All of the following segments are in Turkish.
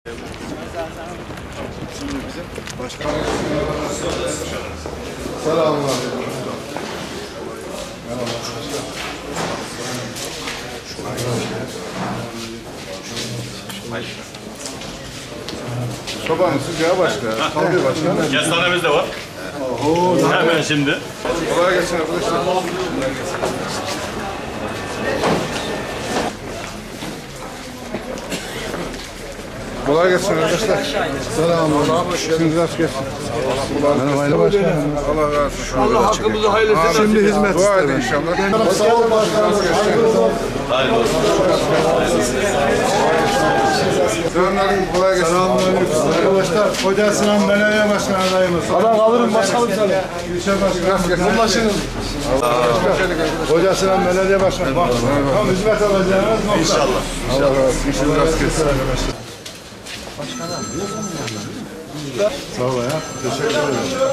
Şimdi bizim başkanımız. Selamünaleyküm. Sobanın sıcağı başka. Tabii başka. Kestanemiz de var. Hemen şimdi. Kolay gelsin arkadaşlar. Kolay gelsin arkadaşlar. Selamünaleyküm. İşiniz rast gelsin. Merhaba başkanım. Allah razı olsun. Allah hakkımızı hayırlısı. Şimdi hizmet isterim inşallah. Sağ olun başkanım. Hayırlı olsun. Selamünaleyküm. Kolay gelsin. Arkadaşlar, Koca Sinan Belediye Başkanı adayımız. Allah alırım başkanım sana. İlçe başkanım. Ulaşınız. Koca Sinan Belediye Başkanı. Bak, tam hizmet alacağınız nokta. İnşallah. Allah razı olsun. İşiniz rast gelsin. Sağ ol ya. Teşekkür ederim.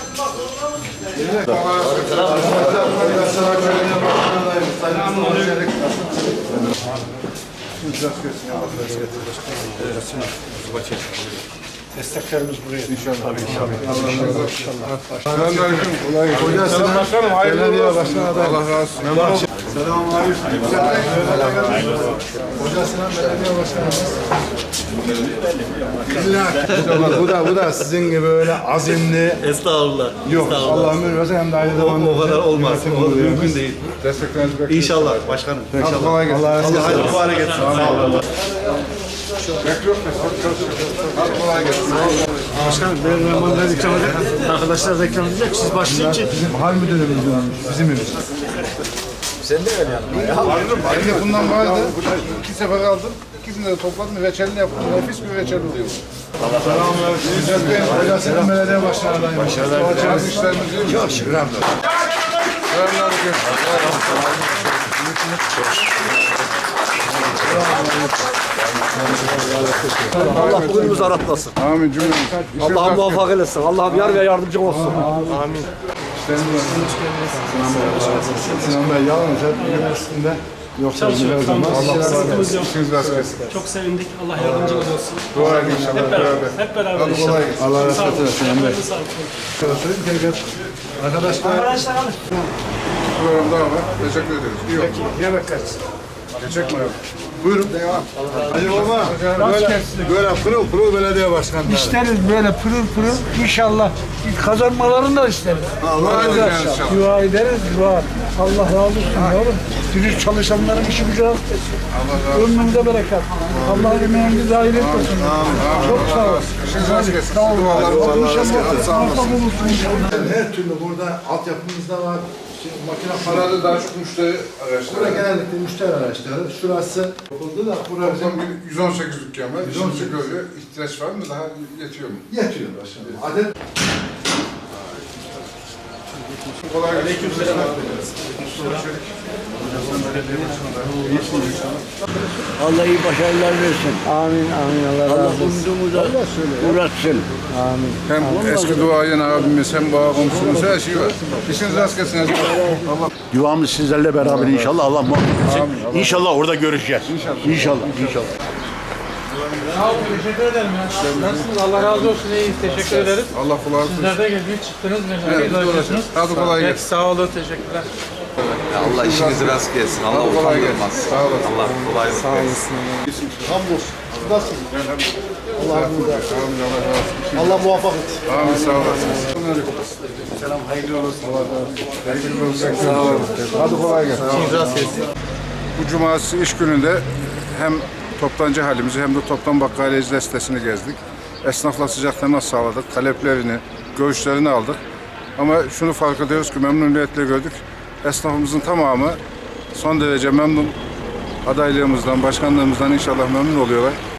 Desteklerimiz buraya. İnşallah. Selamünaleyküm. Kolay gelsin. Koca Sinan Başkanım, Belediye Başkanı adayımız. Allah razı olsun. Selamünaleyküm. Koca Sinan Belediye Başkanımız. Bu da sizin gibi öyle azimli. Estağfurullah. Yok, Allah'ım ürverse hem de aynı zamanda. O kadar olmaz. O mümkün değil. Desteklerinizi bekliyoruz. İnşallah başkanım. İnşallah. Kolay gelsin. Allah razı olsun. Hayırlı mübarek etsin. Sağ olun. Bekliyor musun? Hadi kolay gelsin. Başkanım, benim memurlar ikram edecek. Arkadaşlar da ikram edecek. Siz başlayınca. Bizim hal müdürümüz bizim evimiz. Şimdi bundan vardı. 2 sefer aldım. İkisini de topladım. Reçelini yaptım. Nefis bir reçel oluyor. Selamünaleyküm. İzzet Bey, Koca Sinan Belediye Başkanı adayımız. Bazı işlerimiz yok. Çok şükür hamdolsun. Selamünaleyküm. Allah kulumuzu aratmasın. Amin cümlemiz. Allah'ım muvaffak eylesin. Allah'ım yar ve yardımcı olsun. Sinan Bey yalnız hep üniversitede yoksa her zaman Allah razı olsun. İşiniz rast gelsin. Çok sevindik. Allah yardımcınız olsun. Dua edin inşallah. Beraber. Hep beraber Hadi inşallah. kolay gelsin. Allah rahmet eylesin Sinan Bey. Arkadaşlar alın. Program daha var. Teşekkür ederiz. İyi oldu. Yemek kaç. Geçecek mi? Buyurun. Devam. Hadi baba. Böyle pırıl pırıl belediye başkanları. İsteriz böyle pırıl pırıl inşallah kazanmalarını da isteriz. Dua edeceğiz inşallah. Dua ederiz, dua. Allah razı olsun yavrum. Dürüst çalışanların işi gücü rast etsin. Ömründe bereket. Allah emeğinizi hayır etmesin. Çok sağ ol. İşiniz rast gelsin. Sağ olun. Dualarınız İnşallah sağ olasın. muvaffak olursun. Her türlü burada altyapımız da var. Makine Parada daha çok müşteri Burada araçları. genellikle müşteri araçları. Şurası yapıldı da burası Toplam 118 dükkan var. 118 görüyor. İhtiyaç var mı? Daha yetiyor mu? yetiyor başkanım. Adet Kolay gelsin. Allah iyi başarılar versin. Amin amin Allah Allah razı olsun. umudumuza uğratsın. Amin. Hem eski duayen abimiz hem bağ komşumuz her şey var. İşiniz rast gelsin. Allah. Duamız sizlerle beraber inşallah. Allah muhabbet etsin. İnşallah orada görüşeceğiz. İnşallah. Sağ olun. Teşekkür ederim ya. Nasılsınız? Allah razı olsun. İyiyiz. Teşekkür ederiz. Allah kulağını Sizler de geldiniz, çıktınız. Evet, Uğraşıyorsunuz. hadi kolay Peki, gelsin. sağ olun. Teşekkürler. Allah işinizi rast gelsin. Allah Allah kolay gelsin. utandırmaz. Sağ olasın. Allah kolaylık versin. hamdolsun. Siz nasılsınız? Allah razı olsun. Allah muvaffak etsin. Amin sağ olasın. Selam hayırlı olsun. Hayırlı olsun. Sağ olun. Hadi kolay gelsin. Bu cumartesi iş gününde hem toptancı halimizi hem de toptan bakkaliyeci destesini gezdik. Esnafla sıcak temas sağladık. Taleplerini, görüşlerini aldık. Ama şunu fark ediyoruz ki memnuniyetle gördük. Esnafımızın tamamı son derece memnun. Adaylığımızdan, başkanlığımızdan inşallah memnun oluyorlar.